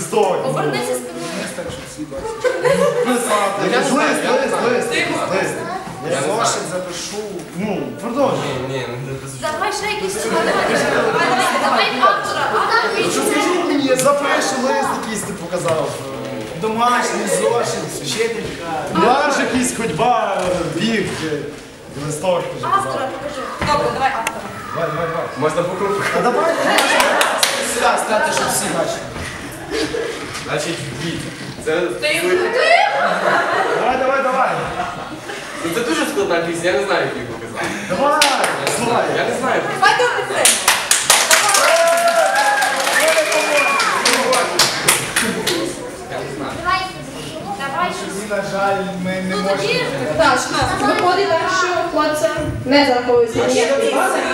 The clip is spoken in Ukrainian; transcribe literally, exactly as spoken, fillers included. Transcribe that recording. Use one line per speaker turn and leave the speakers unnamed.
листок.
Повернися спиною.
Лист, лист, лист, лист.
Я
Зошит запишу. Ну, продовжуй.
Ні, не записуй.
Давай ще якісь слова. Давай, давай, давай автора. Автор
Що скажіть мені, запишу лист якийсь ти показав.
Домашній зошит, вчителька.
Марш якийсь, ходьба, біг, листок.
автора покажи. Добре, давай автора.
Давай, давай, давай.
Можна по кругу.
А давай,
Сюди стати, щоб всі бачили.
Значить, дід. Це,
Ти
давай, давай, давай.
ну, це дуже складна пісня, я не знаю, як її показати.
Давай, слухай.
Я не знаю.
Давай добре це.
Я не знаю.
Давай. Давай щось.
І, на жаль, ми не
Ну
можемо.
тоді.
Так, виходить так, що хлопцям не зараховується ніякий бал,